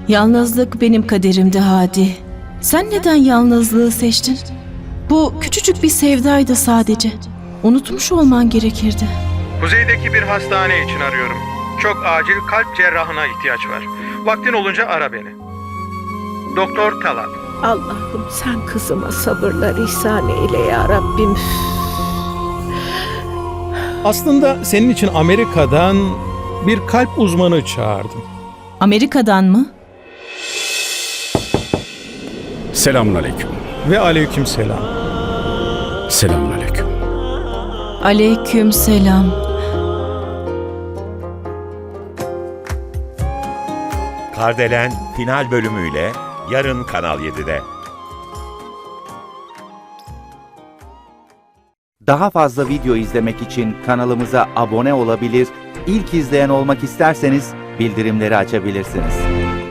Yalnızlık benim kaderimdi Hadi. Sen neden yalnızlığı seçtin? Bu küçücük bir sevdaydı sadece. Unutmuş olman gerekirdi. Kuzeydeki bir hastane için arıyorum. Çok acil kalp cerrahına ihtiyaç var. Vaktin olunca ara beni. Doktor Talat. Allah'ım sen kızıma sabırlar ihsan eyle ya Rabbim. Aslında senin için Amerika'dan bir kalp uzmanı çağırdım. Amerika'dan mı? Selamünaleyküm. Ve aleykümselam. Selamünaleyküm. Aleyküm selam. Kardelen final bölümüyle yarın Kanal 7'de. Daha fazla video izlemek için kanalımıza abone olabilir, ilk izleyen olmak isterseniz bildirimleri açabilirsiniz.